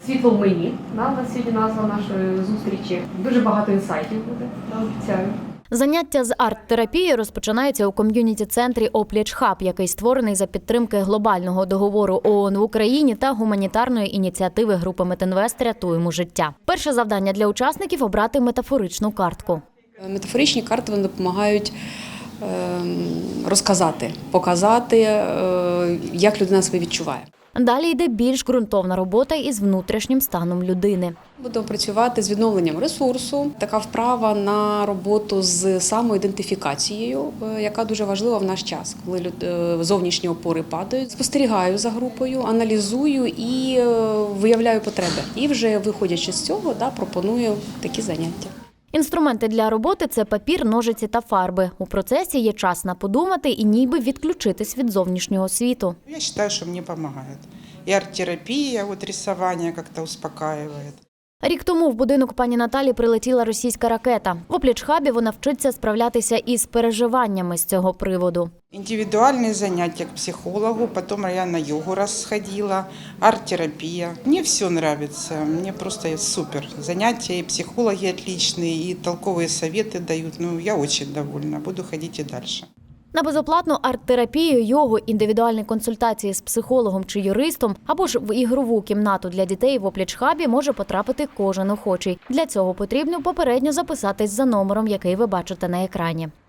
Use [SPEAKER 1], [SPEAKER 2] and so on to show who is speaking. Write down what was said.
[SPEAKER 1] Світло в мені. У нас сьогодні назва нашої зустрічі. Дуже багато інсайтів буде, обіцяю.
[SPEAKER 2] Заняття з арт-терапії розпочинається у ком'юніті-центрі «Опліч Хаб», який створений за підтримки глобального договору ООН в Україні та гуманітарної ініціативи групи Метинвест «Рятуємо життя». Перше завдання для учасників – обрати метафоричну картку.
[SPEAKER 3] Метафоричні карти вони допомагають розказати, показати, як людина себе відчуває.
[SPEAKER 2] Далі йде більш ґрунтовна робота із внутрішнім станом людини.
[SPEAKER 3] Будемо працювати з відновленням ресурсу. Така вправа на роботу з самоідентифікацією, яка дуже важлива в наш час, коли зовнішні опори падають. Спостерігаю за групою, аналізую і виявляю потреби. І вже виходячи з цього, пропоную такі заняття.
[SPEAKER 2] Інструменти для роботи – це папір, ножиці та фарби. У процесі є час на подумати і ніби відключитись від зовнішнього світу.
[SPEAKER 4] Я вважаю, що мені допомагає. І арт-терапія, рисування як-то успокаює.
[SPEAKER 2] Рік тому в будинок пані Наталі прилетіла російська ракета. В «Опліч-хабі» вона вчиться справлятися із переживаннями з цього приводу.
[SPEAKER 4] Індивідуальні заняття к психологу, потім я на йогу розходила, арт-терапія. Мені все подобається, мені просто супер. Заняття, і психологи отличні, і толкові совєти дають. Я дуже довольна, буду ходити і далі.
[SPEAKER 2] На безоплатну арт-терапію, йогу, індивідуальні консультації з психологом чи юристом або ж в ігрову кімнату для дітей в «Опліч-хабі» може потрапити кожен охочий. Для цього потрібно попередньо записатись за номером, який ви бачите на екрані.